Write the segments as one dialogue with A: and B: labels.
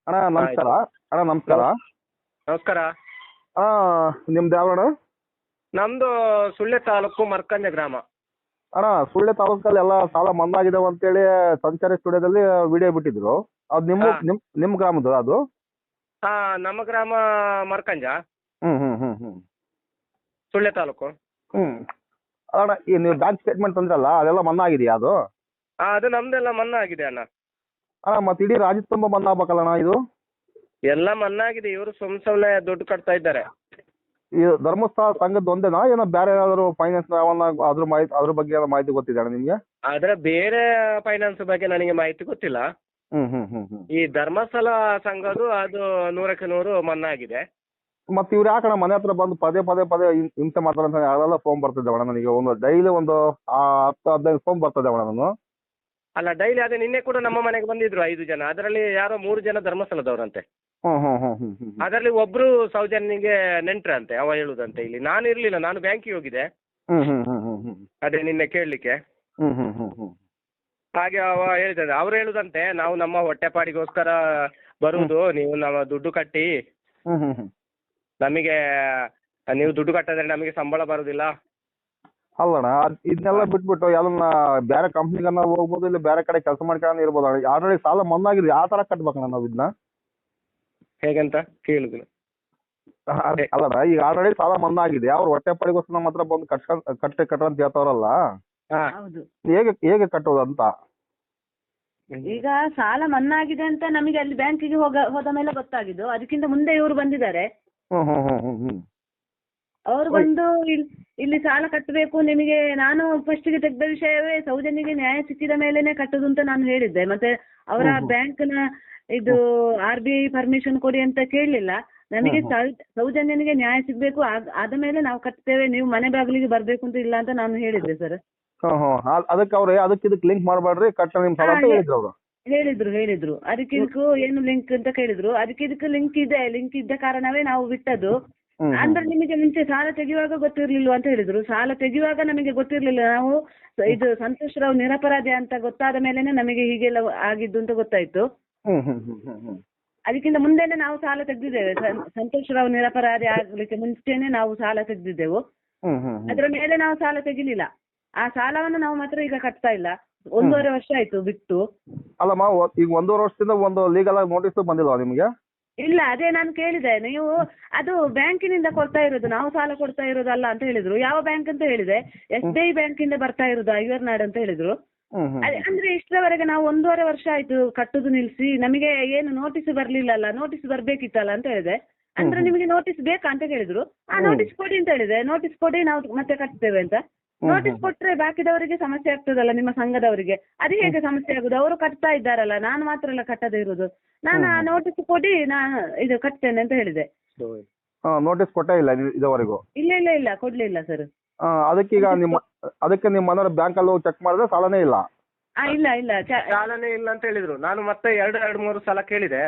A: ಅಣ್ಣ ನಮಸ್ಕಾರ.
B: ಆಯ್ತು.
A: ಅಣ್ಣ ನಮಸ್ಕಾರ.
B: ನಮಸ್ಕಾರ.
A: ನಿಮ್ದು ಯಾವ ಅಣ್ಣ?
B: ನಮ್ದು ಸುಳ್ಯ ತಾಲೂಕು ಮರ್ಕಂಜ ಗ್ರಾಮ.
A: ಅಣ್ಣ ಸುಳ್ಯ ತಾಲೂಕಲ್ಲಿ ಎಲ್ಲ ಸಾಲ ಮನ್ನಾ ಆಗಿದಾವೆ ಅಂತೇಳಿ ಸಂಚಾರಿ ಸ್ಟುಡಿಯೋದಲ್ಲಿ ವಿಡಿಯೋ ಬಿಟ್ಟಿದ್ರು. ಅದು ನಿಮ್ಮ
B: ಹಾ.
A: ನಿಮ್ಮ ಗ್ರಾಮದ್ದು ಅದು?
B: ಹಾ, ನಮ್ಮ ಗ್ರಾಮ ಮರ್ಕಂಜ,
A: ಹ್ಮ್ ಹ್ಮ್ ಹ್ಮ್ ಹ್ಮ್
B: ಸುಳ್ಯ ತಾಲೂಕು.
A: ಹ್ಮ್ ಅಣ್ಣ, ಈ ನೀವು ಬ್ಯಾಂಕ್ ಸ್ಟೇಟ್ಮೆಂಟ್ ತಂದ್ರಲ್ಲ ಅದೆಲ್ಲ ಮನ್ನಾ ಆಗಿದೆಯಾ ಅದು?
B: ಅದು ನಮ್ದೆಲ್ಲ ಮನ್ನಾ ಆಗಿದೆ ಅಣ್ಣ.
A: ಅಣ್ಣ ಮತ್ತೆ ಇಡೀ ರಾಜ್ಯದ ತುಂಬ ಮನ್ನಾ ಆಗ್ಬೇಕಲ್ಲ ಅಣ್ಣ ಇದು?
B: ಎಲ್ಲ ಮನ್ನಾ ಆಗಿದೆ. ಇವರು ಸುಮ್ನೆ ದುಡ್ಡು ಕಟ್ತಾ ಇದ್ದಾರೆ.
A: ಈ ಧರ್ಮಸ್ಥಳ ಸಂಘದ ಒಂದೇನಾ ಏನೋ ಬೇರೆ ಏನಾದ್ರು ಫೈನಾನ್ಸ್ ಅದ್ರ ಬಗ್ಗೆ ಏನೋ ಮಾಹಿತಿ ಗೊತ್ತಿದೆ ಅಣ್ಣ ನಿಮ್ಗೆ?
B: ಆದ್ರೆ ಬೇರೆ ಫೈನಾನ್ಸ್ ಬಗ್ಗೆ ನನಗೆ ಮಾಹಿತಿ ಗೊತ್ತಿಲ್ಲ.
A: ಹ್ಮ್ ಹ್ಮ್ ಹ್ಮ್ ಹ್ಮ್
B: ಈ ಧರ್ಮಸ್ಥಳ ಸಂಘದ್ದು ಅದು 100% ಮನ್ನಾ ಆಗಿದೆ.
A: ಮತ್ತೆ ಇವ್ರು ಯಾಕಣ್ಣ ಮನೆ ಹತ್ರ ಬಂದು ಪದೇ ಪದೇ ಪದೇ ಹಿಂಸೆ ಮಾಡ್ತಾರೆ ಅಂತ ಯಾವೆಲ್ಲ ಫೋನ್ ಬರ್ತಿದ್ದೆ ಅಣ್ಣ ನನಗೆ. ಒಂದು ಡೈಲಿ ಒಂದು 10-15 ಫೋನ್ ಬರ್ತದೆ ಅಣ್ಣ ನಾನು.
B: ಅಲ್ಲ, ಡೈಲಿ ಅದೇ ನಿನ್ನೆ ಕೂಡ ನಮ್ಮ ಮನೆಗೆ ಬಂದಿದ್ರು 5 ಜನ. ಅದರಲ್ಲಿ ಯಾರೋ 3 ಜನ ಧರ್ಮಸ್ಥಳದವರಂತೆ.
A: ಹ್ಮ್ ಹ್ಮ್ ಹ್ಮ್ ಹ್ಮ್ ಹ್ಮ್
B: ಅದರಲ್ಲಿ ಒಬ್ರು ಸೌಜನ್ಯನಿಗೆ ನೆಂಟ್ರಂತೆ, ಅವ ಹೇಳುದಂತೆ. ಇಲ್ಲಿ ನಾನು ಇರ್ಲಿಲ್ಲ, ನಾನು ಬ್ಯಾಂಕಿಗೆ ಹೋಗಿದ್ದೆ.
A: ಹ್ಮ್ ಹ್ಮ್ ಹ್ಮ್ ಹ್ಮ್ ಹ್ಮ್
B: ಅದೇ ನಿನ್ನೆ ಕೇಳಲಿಕ್ಕೆ.
A: ಹ್ಮ್ ಹ್ಮ್ ಹ್ಮ್ ಹ್ಮ್
B: ಹಾಗೆ ಅವ ಹೇಳಿದ, ಅವ್ರು ಹೇಳುದಂತೆ, ನಾವು ನಮ್ಮ ಹೊಟ್ಟೆಪಾಡಿಗೋಸ್ಕರ ಬರುವುದು, ನೀವು ನಮ್ಮ ದುಡ್ಡು ಕಟ್ಟಿ
A: ಹ್ಮ್ ಹ್ಮ್ ಹ್ಮ್
B: ನಮಗೆ, ನೀವು ದುಡ್ಡು ಕಟ್ಟದ್ರೆ ನಮಗೆ ಸಂಬಳ ಬರುದಿಲ್ಲ.
A: ಅಲ್ಲಣ್ಣ, ಇದನ್ನೆಲ್ಲ ಬಿಟ್ಬಿಟ್ಟು ಯಾವ್ದನ್ನ ಬೇರೆ ಕಂಪ್ನಿಗನ್ನ ಹೋಗ್ಬೋದು, ಇಲ್ಲ ಬೇರೆ ಕಡೆ ಕೆಲಸ ಮಾಡ್ಕೊಂಡು ಇರ್ಬೋದು ಅಣ್ಣ. ಆಲ್ರೆಡಿ ಸಾಲ ಮನ್ನಾ ಆಗಿದೆ, ಯಾವ ತರ ಕಟ್ಬೇಕಣ್ಣ ನಾವು ಇದನ್ನ?
B: ಹೇಗಂತ ಕೇಳುದಿಲ್ಲ.
A: ಅಲ್ಲಣ್ಣ, ಈಗ ಆಲ್ರೆಡಿ ಸಾಲ ಮನ್ನಾ ಆಗಿದೆ, ಅವ್ರು ಹೊಟ್ಟೆಪಾಡಿಗೋಸ್ಕರ ನಮ್ಮ ಹತ್ರ ಬಂದು ಕಟ್ಟ ಅಂತ ಹೇಳ್ತಾವ್ರಲ್ಲ,
B: ಹಾ,
C: ಹೌದು.
A: ಹೇಗೆ ಹೇಗೆ ಕಟ್ಟೋದು ಅಂತ?
C: ಈಗ ಸಾಲ ಮನ್ನಾ ಆಗಿದೆ ಅಂತ ನಮಗೆ ಅಲ್ಲಿ ಬ್ಯಾಂಕಿಗೆ ಹೋದ ಮೇಲೆ ಗೊತ್ತಾಗಿದ್ದು. ಅದಕ್ಕಿಂತ ಮುಂದೆ ಇವರು ಬಂದಿದ್ದಾರೆ.
A: ಹ್ಮ್ ಹ್ಮ್ ಹ್ಮ್ ಹ್ಮ್ ಹ್ಮ್
C: ಅವರು ಬಂದು ಇಲ್ಲಿ ಸಾಲ ಕಟ್ಟಬೇಕು ನಿಮಗೆ. ನಾನು ಫಸ್ಟಿಗೆ ತೆಗೆದ ವಿಷಯವೇ ಸೌಜನ್ಯಗೆ ನ್ಯಾಯ ಸಿಕ್ಕಿದ ಮೇಲೆನೆ ಕಟ್ಟುದು ಅಂತ ನಾನು ಹೇಳಿದ್ದೆ. ಮತ್ತೆ ಅವರ ಬ್ಯಾಂಕ್ನ ಇದು RBI ಪರ್ಮಿಷನ್ ಕೊಡಿ ಅಂತ ಕೇಳಲಿಲ್ಲ. ನಮಗೆ ಸೌಜನ್ಯನಿಗೆ ನ್ಯಾಯ ಸಿಗ್ಬೇಕು, ಆದ ಮೇಲೆ ನಾವು ಕಟ್ತೇವೆ, ನೀವು ಮನೆ ಬಾಗಿಲಿಗೆ ಬರ್ಬೇಕು ಅಂತ ಇಲ್ಲ ಅಂತ ನಾನು ಹೇಳಿದ್ದೆ ಸರ್.
A: ಅದಕ್ಕೆ ಅವ್ರೆ ಅದಕ್ಕೆ ಇದಕ್ಕೆ ಲಿಂಕ್ ಮಾಡಬೇಡ್ರಿ, ಕಟ್ಟ ನಿಮ್ ಸಾಲ ಅಂತ ಹೇಳಿದ್ರು ಅವರು.
C: ಹೇಳಿದ್ರು ಅದಕ್ಕೆ ಇದಕ್ಕೂ ಏನು ಲಿಂಕ್ ಅಂತ ಕೇಳಿದ್ರು. ಅದಕ್ಕೆ ಇದಕ್ಕೆ ಲಿಂಕ್ ಇದ್ದ ಕಾರಣವೇ ನಾವು ಬಿಟ್ಟದ್ದು. ಅಂದ್ರೆ ನಿಮಗೆ ಮುಂಚೆ ಸಾಲ ತೆಗೆಯುವಾಗ ಗೊತ್ತಿರ್ಲಿಲ್ವ ಅಂತ ಹೇಳಿದ್ರು. ಸಾಲ ತೆಗೆಯುವಾಗ ನಮಗೆ ಗೊತ್ತಿರ್ಲಿಲ್ಲ. ನಾವು ಇದು ಸಂತೋಷ್ ರಾವ್ ನಿರಪರಾಧಿ ಅಂತ ಗೊತ್ತಾದ ಮೇಲೆನೆ ನಮಗೆ ಹೀಗೆಲ್ಲ ಆಗಿದ್ದು ಅಂತ ಗೊತ್ತಾಯ್ತು. ಅದಕ್ಕಿಂತ ಮುಂದೆನೆ ನಾವು ಸಾಲ ತೆಗೆದಿದ್ದೇವೆ. ಸಂತೋಷ್ ರಾವ್ ನಿರಪರಾಧಿ ಆಗ್ಲಿಕ್ಕೆ ಮುಂಚೆನೆ ನಾವು ಸಾಲ ತೆಗೆದಿದ್ದೆವು. ಅದ್ರ ಮೇಲೆ ನಾವು ಸಾಲ ತೆಗಿಲಿಲ್ಲ. ಆ ಸಾಲವನ್ನು ನಾವು ಮಾತ್ರ ಈಗ ಕಟ್ತಾ ಇಲ್ಲ. 1.5 ವರ್ಷ ಆಯ್ತು ಬಿಟ್ಟು.
A: ಅಲ್ಲಮ್ಮ, ಈಗ 1.5 ವರ್ಷದಿಂದ ಒಂದು ಲೀಗಲ್ ಆಗಿ ನೋಟಿಸ್ ಬಂದಿಲ್ವಾ ನಿಮ್ಗೆ?
C: ಇಲ್ಲ, ಅದೇ ನಾನು ಕೇಳಿದೆ. ನೀವು ಅದು ಬ್ಯಾಂಕಿನಿಂದ ಕೊಡ್ತಾ ಇರೋದು, ನಾವು ಸಾಲ ಕೊಡ್ತಾ ಇರೋದಲ್ಲ ಅಂತ ಹೇಳಿದ್ರು. ಯಾವ ಬ್ಯಾಂಕ್ ಅಂತ ಹೇಳಿದೆ, SBI ಬ್ಯಾಂಕಿಂದ ಬರ್ತಾ ಇರೋದು ಐವರ್ನಾಡ್ ಅಂತ ಹೇಳಿದ್ರು. ಅಂದ್ರೆ ಇಷ್ಟರವರೆಗೆ ನಾವು 1.5 ವರ್ಷ ಆಯ್ತು ಕಟ್ಟುದು ನಿಲ್ಸಿ. ನಮಗೆ ಏನು ನೋಟಿಸ್ ಬರ್ಲಿಲ್ಲಲ್ಲ, ನೋಟಿಸ್ ಬರ್ಬೇಕಿತ್ತಲ್ಲ ಅಂತ ಹೇಳಿದೆ. ಅಂದ್ರೆ ನಿಮಗೆ ನೋಟಿಸ್ ಬೇಕಾ ಅಂತ ಕೇಳಿದ್ರು. ನೋಟಿಸ್ ಕೊಡಿ ಅಂತ ಹೇಳಿದೆ. ನೋಟಿಸ್ ಕೊಡಿ, ನಾವು ಮತ್ತೆ ಕಟ್ತೇವೆ ಅಂತ. ನೋಟಿಸ್ ಕೊಟ್ರೆ ಬಾಕಿದವರಿಗೆ ಸಮಸ್ಯೆ ಆಗ್ತದಲ್ಲ, ನಿಮ್ಮ ಸಂಘದವರಿಗೆ. ಅದು ಹೇಗೆ ಸಮಸ್ಯೆ ಆಗುದು? ಅವರು ಕಟ್ತಾ ಇದ್ದಾರಲ್ಲ, ನಾನು ಮಾತ್ರ ಎಲ್ಲ ಕಟ್ಟದೇ ಇರುದು. ನಾನು ಆ ನೋಟಿಸ್ ಕೊಡಿ, ನಾನು ಇದು ಕಟ್ತೇನೆ ಅಂತ ಹೇಳಿದೆ.
A: ನೋಟಿಸ್ ಕೊಟ್ಟೇ ಇಲ್ಲ ಇದುವರೆಗೂ?
C: ಇಲ್ಲ ಕೊಡ್ಲಿಲ್ಲ ಸರ್.
A: ಅದಕ್ಕೀಗ ಅದಕ್ಕೆ ನಿಮ್ಮ ಮನೆಯವ್ರ ಬ್ಯಾಂಕ್ ಅಲ್ಲಿ ಚೆಕ್ ಮಾಡಿದ್ರೆ ಸಾಲನೇ ಇಲ್ಲ?
C: ಇಲ್ಲ
B: ಸಾಲನೇ ಇಲ್ಲ ಅಂತ ಹೇಳಿದ್ರು. ನಾನು ಮತ್ತೆ 2-3 ಸಲ ಕೇಳಿದೆ.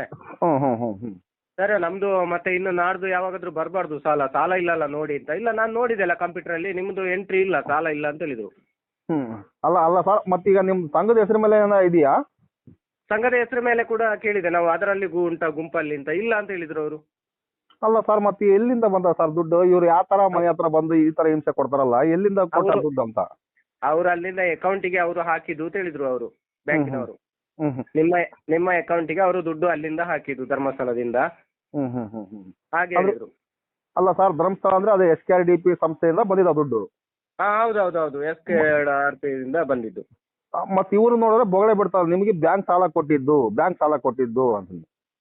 B: ಸರ್, ನಮ್ದು ಮತ್ತೆ ಇನ್ನು ನಾಡ್ದು ಯಾವಾಗಾದ್ರೂ ಬರಬಾರ್ದು ಸಾಲ ಇಲ್ಲಲ್ಲ ನೋಡಿ ಅಂತ. ಇಲ್ಲ, ನಾನು ನೋಡಿದೆಲ್ಲ ಕಂಪ್ಯೂಟರ್ ಅಲ್ಲಿ, ನಿಮ್ದು ಎಂಟ್ರಿ ಇಲ್ಲ, ಸಾಲ ಇಲ್ಲ ಅಂತ ಹೇಳಿದ್ರು.
A: ಅಲ್ಲ ಸರ್, ಮತ್ತೀಗ ನಿಮ್ ಸಂಘದ ಹೆಸರು ಮೇಲೆ ಏನೋ ಇದೆಯಾ?
B: ಸಂಘದ ಹೆಸರು ಮೇಲೆ ಕೂಡ ಕೇಳಿದೆ ನಾವು, ಅದರಲ್ಲಿ ಗುಂಪಲ್ಲಿ ಅಂತ. ಇಲ್ಲ ಅಂತ ಹೇಳಿದ್ರು ಅವರು.
A: ಅಲ್ಲ ಸರ್, ಮತ್ತೆ ಎಲ್ಲಿಂದ ಬಂದ ಸರ್ ದುಡ್ಡು? ಇವ್ರು ಯಾವ ತರ ಮನೆ ಹತ್ರ ಬಂದು ಈ ತರ ಹಿಂಸೆ ಕೊಡ್ತಾರಲ್ಲ, ಎಲ್ಲಿಂದ ಕೊಡ್ತಾರೆ ದುಡ್ಡು ಅಂತ?
B: ಅವ್ರು ಅಲ್ಲಿಂದ ಅಕೌಂಟಿಗೆ ಅವರು ಹಾಕಿದ್ದು ಅಂತ ಹೇಳಿದ್ರು ಅವರು, ಬ್ಯಾಂಕಿನವರು. ನಿಮ್ಮ ಅಕೌಂಟಿಗೆ ಅವರು ದುಡ್ಡು ಅಲ್ಲಿಂದ ಹಾಕಿದ್ದು, ಧರ್ಮಸ್ಥಳದಿಂದ. ಹಾಗೆ ಹೇಳಿದ್ರು.
A: ಅಲ್ಲ ಸರ್, ಧರ್ಮಸ್ಥಳ ಅಂದ್ರೆ ಅದೇ SKRDP ಸಂಸ್ಥೆಯಿಂದ ಬಂದಿದ್ದ ದುಡ್ಡು?
B: ಹೌದು, SKRDP ಇಂದ ಬಂದಿದ್ದು.
A: ಮತ್ತೆ ಇವರು ನೋಡಿದ್ರೆ ಬೊಗಳೆ ಬಿಡ್ತಾರೆ, ನಿಮಗೆ ಬ್ಯಾಂಕ್ ಸಾಲ ಕೊಟ್ಟಿದ್ದು ಅಂತ.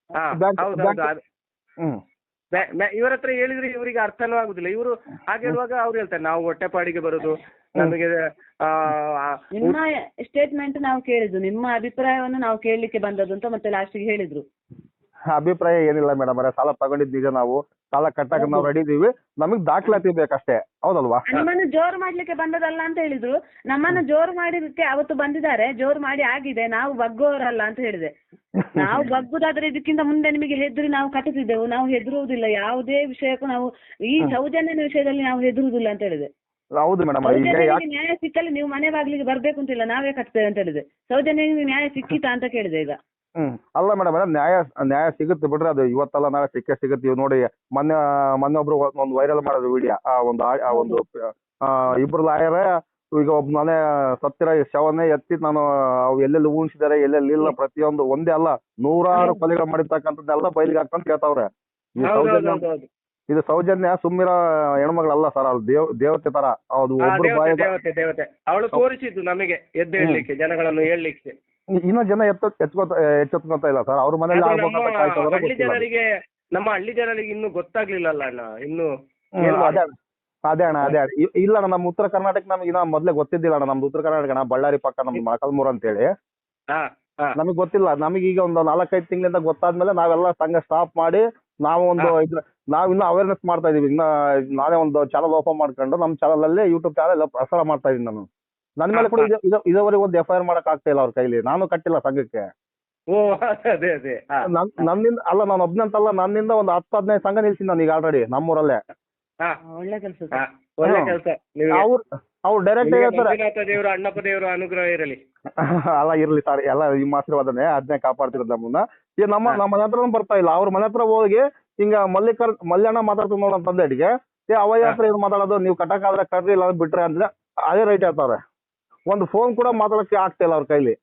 B: ಇವ್ರ ಹತ್ರ ಹೇಳಿದ್ರೆ ಇವರಿಗೆ ಅರ್ಥನೂ ಆಗುದಿಲ್ಲ. ಇವರು ಹಾಗೆ ಹೇಳುವಾಗ ಅವ್ರು ಹೇಳ್ತಾರೆ, ನಾವು ಹೊಟ್ಟೆಪಾಡಿಗೆ ಬರುದು, ನಮಗೆ
C: ನಿಮ್ಮ ಸ್ಟೇಟ್ಮೆಂಟ್ ನಾವು ಕೇಳಿದ್ದು, ನಿಮ್ಮ ಅಭಿಪ್ರಾಯವನ್ನು ನಾವು ಕೇಳಲಿಕ್ಕೆ ಬಂದದ್ದು ಅಂತ ಮತ್ತೆ ಲಾಸ್ಟಿಗೆ ಹೇಳಿದ್ರು.
A: ಅಭಿಪ್ರಾಯ ಏನಿಲ್ಲ ಮೇಡಮ್, ಸಾಲ ತಗೊಂಡಿದ್ ನಿಜ, ನಾವು ಸಾಲ ಕಟ್ಟಕ್ಕೆ ನಾವು ರೆಡಿ ಇದೀವಿ, ನಮಗ್ ದಾಖಲಾತಿ ಬೇಕಷ್ಟೇ, ಹೌದಲ್ವಾ?
C: ನಮ್ಮನ್ನು ಜೋರು ಮಾಡ್ಲಿಕ್ಕೆ ಬಂದದಲ್ಲ ಅಂತ ಹೇಳಿದ್ರು. ನಮ್ಮನ್ನು ಜೋರು ಮಾಡಿದಕ್ಕೆ ಅವತ್ತು ಬಂದಿದ್ದಾರೆ, ಜೋರು ಮಾಡಿ ಆಗಿದೆ, ನಾವು ಬಗ್ಗೋರಲ್ಲ ಅಂತ ಹೇಳಿದೆ. ನಾವು ಬಗ್ಗುದಾದ್ರೆ ಇದಕ್ಕಿಂತ ಮುಂದೆ ನಿಮಗೆ ಹೆದರಿ ನಾವು ಕಟ್ಟಿಸಿದ್ದೆವು. ನಾವು ಹೆದರುವುದಿಲ್ಲ ಯಾವುದೇ ವಿಷಯಕ್ಕೂ. ನಾವು ಈ ಸೌಜನ್ಯನ ವಿಷಯದಲ್ಲಿ ನಾವು ಹೆದರುವುದಿಲ್ಲ ಅಂತ ಹೇಳಿದೆ.
A: ಹೌದು ಮೇಡಮ್,
C: ನ್ಯಾಯ ಸಿಕ್ಕಲ್ಲಿ ನೀವು ಮನೆ ಬಾಗಿಲಿಗೆ ಬರ್ಬೇಕು ಅಂತಿಲ್ಲ, ನಾವೇ ಕಟ್ತೇವೆ ಅಂತ ಹೇಳಿದೆ. ಸೌಜನ್ಯನಿಗೆ ನ್ಯಾಯ ಸಿಕ್ಕಿತಾ ಅಂತ ಕೇಳಿದೆ ಈಗ.
A: ಅಲ್ಲ ಮೇಡಮ್ ನ್ಯಾಯ ಸಿಗುತ್ತೆ ಬಿಡ್ರಿ, ಅದು ಇವತ್ತಲ್ಲ ನಾಳೆ ಸಿಗುತ್ತೆ. ಇವ್ ನೋಡಿ ಮೊನ್ನೆ ಒಬ್ರು ಒಂದು ವೈರಲ್ ಮಾಡಿದ್ರು ವಿಡಿಯೋ, ಒಂದು ಇಬ್ರು ಲಾಯರ್ ಈಗ ಒಬ್ಬ ಮನೆ ಸತ್ತಿರ ಶವನ್ನೇ ಎತ್ತಿ ನಾನು ಅವು ಎಲ್ಲೆಲ್ಲಿ ಉಣಿಸಿದಾರೆ ಎಲ್ಲೆಲ್ಲಿ ಇಲ್ಲ ಪ್ರತಿಯೊಂದು ಒಂದೇ ಅಲ್ಲ ನೂರಾರು ಕೊಲೆಗಳು ಮಾಡಿರ್ತಕ್ಕಂಥದ್ದೆಲ್ಲ ಬಯಲಿಗೆ ಹಾಕೊಂಡ್ ಕೇಳ್ತಾವ್ರೆ. ಇದು ಸೌಜನ್ಯ ಸುಮ್ಮಿರ ಹೆಣ್ಮಗಳಲ್ಲ ಸರ್, ಅವ್ರು ದೇವತೆ ತರ. ಅದು ಒಬ್ರು
B: ದೇವತೆ ಅವಳು ತೋರಿಸಿದ್ದು ನಮಗೆ ಎದ್ದೇಳಲಿಕ್ಕೆ, ಜನಗಳನ್ನು ಹೇಳಲಿಕ್ಕೆ.
A: ಇನ್ನೂ ಜನ ಎಚ್ಚೆತ್ಕೊಂತ ಇಲ್ಲ ಸರ್, ಅವ್ರ ಮನೇಲಿ
B: ಜನರಿಗೆ, ನಮ್ಮ ಹಳ್ಳಿ ಜನರಿಗೆ ಇನ್ನು ಗೊತ್ತಾಗ್ಲಿಲ್ಲಲ್ಲ ಅಣ್ಣ, ಇನ್ನು
A: ಅದೇ ಅಣ್ಣ ಇಲ್ಲ ಅಣ್ಣ. ನಮ್ಮ ಉತ್ತರ ಕರ್ನಾಟಕ ನಮ್ಗೆ ಇನ್ನ ಮೊದ್ಲೇ ಗೊತ್ತಿದ್ದಿಲ್ಲ ಅಣ್ಣ. ನಮ್ದು ಉತ್ತರ ಕರ್ನಾಟಕ ಅಣ್ಣ, ಬಳ್ಳಾರಿ ಪಕ್ಕ ನಮ್ದು ಮೊಳಕಾಲ್ಮೂರು ಅಂತೇಳಿ. ನಮಗ್ ಗೊತ್ತಿಲ್ಲ. ನಮಗೀಗ ಒಂದು 4-5 ತಿಂಗಳಿಂದ ಗೊತ್ತಾದ್ಮೇಲೆ ನಾವೆಲ್ಲ ಸಂಘ ಸ್ಟಾಪ್ ಮಾಡಿ ನಾವು ನಾವ್ ಇನ್ನ ಅವೇರ್ನೆಸ್ ಮಾಡ್ತಾ ಇದೀವಿ. ನಾನೇ ಒಂದು ಚಾನಲ್ ಓಪನ್ ಮಾಡ್ಕೊಂಡು ನಮ್ಮ ಚಾನಲ್ ಅಲ್ಲಿ ಯೂಟ್ಯೂಬ್ ಚಾನಲ್ ಪ್ರಸಾರ ಮಾಡ್ತಾ ಇದೀನಿ ನಾನು. ನನ್ನ ಮೇಲೆ ಕೂಡ ಇದುವರೆಗೆ ಒಂದು FIR ಮಾಡಕ್ ಆಗ್ತಾ ಇಲ್ಲ ಅವ್ರ ಕೈಲಿ. ನಾನು ಕಟ್ಟಿಲ್ಲ ಸಂಘಕ್ಕೆ. ನನ್ನಿಂದ ಅಲ್ಲ, ನಾನು ಒಬ್ನಂತಲ್ಲ, ನನ್ನಿಂದ ಒಂದು 10-15 ಸಂಘ ನಿಲ್ಸಿನಿ ನಾನು ಈಗ ಆಲ್ರೆಡಿ ನಮ್ಮೂರಲ್ಲೇ.
C: ಒಳ್ಳೆ ಕೆಲಸ
B: ಒಳ್ಳೆ ಕೆಲಸ.
A: ಅವ್ರು ಡೈರೆಕ್ಟ್ ಹೇಳ್ತಾರೆ,
B: ದೇವರು ಅಣ್ಣಪ್ಪ ದೇವರು ಅನುಗ್ರಹ ಇರಲಿ.
A: ಅಲ್ಲ ಇರ್ಲಿ ಸರ್, ಎಲ್ಲ ನಿಮ್ಮ ಆಶೀರ್ವಾದನೆ, ಅದನ್ನೇ ಕಾಪಾಡ್ತಿರೋದು ನಮ್ಮನ್ನ. ಈಗ ನಮ್ಮ ಮನೆ ಹತ್ರ ಬರ್ತಾ ಇಲ್ಲ. ಅವ್ರ ಮನೆ ಹತ್ರ ಹೋಗಿ ಹಿಂಗ ಮಲ್ಯಣ್ಣ ಮಾತಾಡ್ತೀವಿ ನೋಡ ತಂದೆಗೆ, ಅವಯ್ಯ ಹತ್ರ ಏನು ಮಾತಾಡೋದು, ನೀವು ಕಟ್ಟಕ್ಕಾದ್ರೆ ಕಟ್ರಿ ಇಲ್ಲ ಬಿಟ್ರೆ ಅಂದ್ರೆ ಅದೇ ರೈಟ್ ಹೇಳ್ತಾರೆ. ಒಂದು ಫೋನ್ ಕೂಡ ಮಾತಾಡಕ್ಕೆ ಆಗ್ತಾ ಇಲ್ಲ ಅವ್ರ ಕೈಲಿ.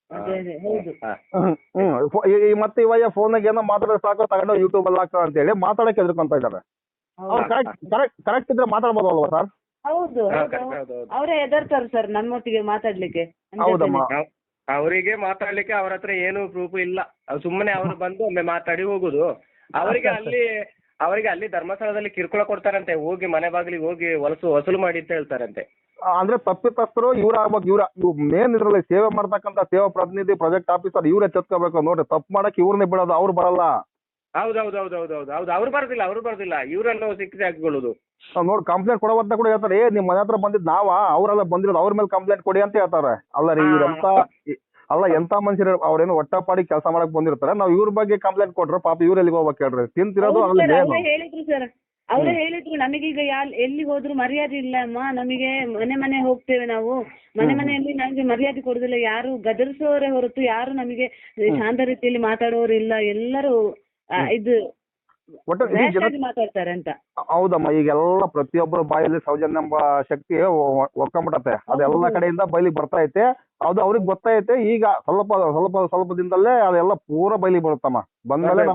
A: ಮತ್ತೆ ಇವಯ್ಯ ಫೋನಾಗ ಏನೋ ಮಾತಾಡೋದು ಸಾಕು, ತಗೊಂಡು ಯೂಟ್ಯೂಬ್ ಅಲ್ಲಿ ಹಾಕ ಅಂತ ಹೇಳಿ ಮಾತಾಡಕ್ಕೆ ಎದ್ಕೊಂತ ಇದ್ದಾರೆ. ಅವ್ರು ಕರೆಕ್ಟ್ ಇದ್ರೆ ಮಾತಾಡ್ಬೋದಲ್ವಾ ಸರ್?
C: ಹೌದು, ಅವರೇ ಎದರ್ತಾರೆ ಸರ್ ನಮ್ಮೊಟ್ಟಿಗೆ ಮಾತಾಡ್ಲಿಕ್ಕೆ.
A: ಹೌದಮ್ಮ,
B: ಅವರಿಗೆ ಮಾತಾಡ್ಲಿಕ್ಕೆ ಅವ್ರ ಹತ್ರ ಏನು ಪ್ರೂಫ್ ಇಲ್ಲ. ಸುಮ್ಮನೆ ಅವರು ಬಂದು ಒಮ್ಮೆ ಮಾತಾಡಿ ಹೋಗುದು. ಅವರಿಗೆ ಅಲ್ಲಿ ಧರ್ಮಸ್ಥಳದಲ್ಲಿ ಕಿರುಕುಳ ಕೊಡ್ತಾರಂತೆ, ಹೋಗಿ ಮನೆ ಬಾಗಿಲಿಗೆ ಹೋಗಿ ವಸೂಲು ಮಾಡಿ ಅಂತ ಹೇಳ್ತಾರಂತೆ.
A: ಅಂದ್ರೆ ತಪ್ಪಿತಸ್ಥರು ಇವ್ರ ಆಗ್ಬೇಕು. ಇವ್ರ ಮೇನ್ ಇದ್ರಲ್ಲಿ ಸೇವೆ ಮಾಡ್ತಕ್ಕಂಥ ಸೇವಾ ಪ್ರತಿನಿಧಿ, ಪ್ರಾಜೆಕ್ಟ್ ಆಫೀಸರ್ ಇವ್ರೇ ಚತ್ಕೋಬೇಕು ನೋಡ್ರಿ. ತಪ್ಪು ಮಾಡಕ್ ಇವ್ರನ್ನೇ ಬಿಡೋದು, ಅವ್ರು ಬರಲ್ಲ.
B: ಹೌದು ಅವ್ರು ಬರ್ದಿಲ್ಲ, ಇವರನ್ನು ಶಿಕ್ಷೆ ಹಾಕಿಕೊಳ್ಳುದು.
A: ನೋಡಿ ಕಂಪ್ಲೇಂಟ್ ಕೊಡುವಂತ ಕೂಡ ಹೇಳ್ತಾರೆ, ನಿಮ್ ಮನೆ ಹತ್ರ ಬಂದಿದ್ ಅವರೆಲ್ಲ ಬಂದಿರೋದು, ಅವ್ರ ಮೇಲೆ ಕಂಪ್ಲೇಂಟ್ ಕೊಡಿ ಅಂತ ಹೇಳ್ತಾರೆ. ಅಲ್ಲ ರೀ, ಎಂತ ಮನುಷ್ಯರು, ಅವ್ರೇನು ಹೊಟ್ಟಪಾಡಿ ಕೆಲಸ ಮಾಡಕ್ ಬಂದಿರ್ತಾರೆ. ನಾವ್ ಇವ್ರ ಬಗ್ಗೆ ಕಂಪ್ಲೇಂಟ್ ಕೊಟ್ರೆ ಪಾಪ ಇವ್ರ ಎಲ್ಲಿಗೆ ಹೋಗ್ಬೇಕು ಹೇಳ್ರಿ? ತಿಂತಿರೋದು
C: ಹೇಳಿದ್ರು ಸರ್, ಅವರೇ ಹೇಳಿದ್ರು ನಮಗೀಗ ಎಲ್ಲಿ ಹೋದ್ರು ಮರ್ಯಾದೆ ಇಲ್ಲ ಅಮ್ಮ, ನಮಗೆ ಮನೆ ಹೋಗ್ತೇವೆ ನಾವು, ಮನೆಯಲ್ಲಿ ನಮಗೆ ಮರ್ಯಾದೆ ಕೊಡುದಿಲ್ಲ, ಯಾರು ಗದರಿಸೋರೇ ಹೊರತು ಯಾರು ನಮಗೆ ಶಾಂತ ರೀತಿಯಲ್ಲಿ ಮಾತಾಡೋರು ಇಲ್ಲ, ಎಲ್ಲರೂ ಇದು ಮಾತಾಡ್ತಾರೆ ಅಂತ.
A: ಹೌದಮ್ಮ, ಈಗೆಲ್ಲ ಪ್ರತಿಯೊಬ್ಬರ ಬಾಯಲ್ಲಿ ಸೌಜನ್ಯ ಎಂಬ ಶಕ್ತಿ ಒಕ್ಕೊಂಬಿಟ್ಟತೆ. ಅದೆಲ್ಲ ಕಡೆಯಿಂದ ಬಯಲಿಗೆ ಬರ್ತಾ ಐತೆ. ಅದು ಅವ್ರಿಗೆ ಗೊತ್ತೈತೆ. ಈಗ ಸ್ವಲ್ಪ ದಿನದಲ್ಲೇ ಅದೆಲ್ಲ ಪೂರ ಬಯಲಿಗೆ ಬರುತ್ತಮ್ಮ. ಬಂದ್ಮೇಲೆ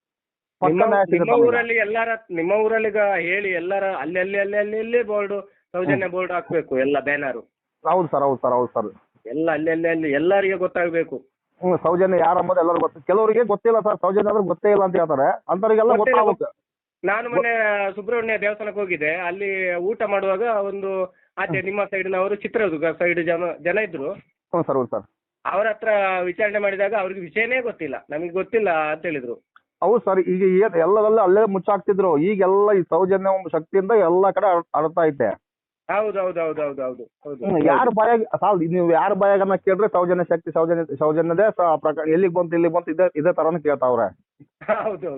B: ನಿಮ್ಮ ಊರಲ್ಲಿ ಹೇಳಿ ಎಲ್ಲರ ಅಲ್ಲಿ ಬೋರ್ಡ್, ಸೌಜನ್ಯ ಬೋರ್ಡ್ ಹಾಕ್ಬೇಕು, ಎಲ್ಲ ಬ್ಯಾನರ್.
A: ಹೌದು ಸರ್
B: ಎಲ್ಲ ಅಲ್ಲಿ ಎಲ್ಲರಿಗೆ ಗೊತ್ತಾಗ್ಬೇಕು.
A: ಸೌಜನ್ಯ ಯಾರು ಅಂಬೋದು ಎಲ್ಲರೂ ಗೊತ್ತು. ಕೆಲವರಿಗೆ ಗೊತ್ತಿಲ್ಲ ಸರ್, ಸೌಜನ್ಯ ಅಂದ್ರೆ ಗೊತ್ತೇ ಇಲ್ಲ ಅಂತ ಹೇಳ್ತಾರೆ. ಅಂತವರಿಗೆಲ್ಲ ಗೊತ್ತಾಗುತ್ತೆ.
B: ನಾನು ಮೊನ್ನೆ ಸುಬ್ರಹ್ಮಣ್ಯ ದೇವಸ್ಥಾನಕ್ಕೆ ಹೋಗಿದ್ದೆ. ಅಲ್ಲಿ ಊಟ ಮಾಡುವಾಗ ಒಂದು ಆಚೆ ನಿಮ್ಮ ಸೈಡ್ನವರು, ಚಿತ್ರದುರ್ಗ ಸೈಡ್ ಜನ ಇದ್ರು.
A: ಸರ್
B: ಅವ್ರ ಹತ್ರ ವಿಚಾರಣೆ ಮಾಡಿದಾಗ ಅವ್ರಿಗೆ ವಿಷಯನೇ ಗೊತ್ತಿಲ್ಲ, ನಮಗೆ ಗೊತ್ತಿಲ್ಲ ಅಂತ ಹೇಳಿದ್ರು.
A: ಹೌದು ಸರ್, ಈಗ ಎಲ್ಲದಲ್ಲ ಅಲ್ಲೇ ಮುಚ್ಚಾಕ್ತಿದ್ರು. ಈಗೆಲ್ಲ ಈ ಸೌಜನ್ಯ ಶಕ್ತಿಯಿಂದ ಎಲ್ಲಾ ಕಡೆ ಹರಡ್ತಾ ಐತೆ.
B: ಹೌದು.
A: ಯಾರ ಬಾಯಾಗ ನೀವು ಯಾರ ಬಾಯಾಗನ್ನ ಕೇಳ್ರೆ ಸೌಜನ್ಯ ಶಕ್ತಿ, ಸೌಜನ್ಯದೇ ಪ್ರಕಾರ ಎಲ್ಲಿಗೆ ಬಂತು ಇದೇ ತರಾನು ಕೇಳ್ತಾವ್ರೆ.
B: ಹೌದು.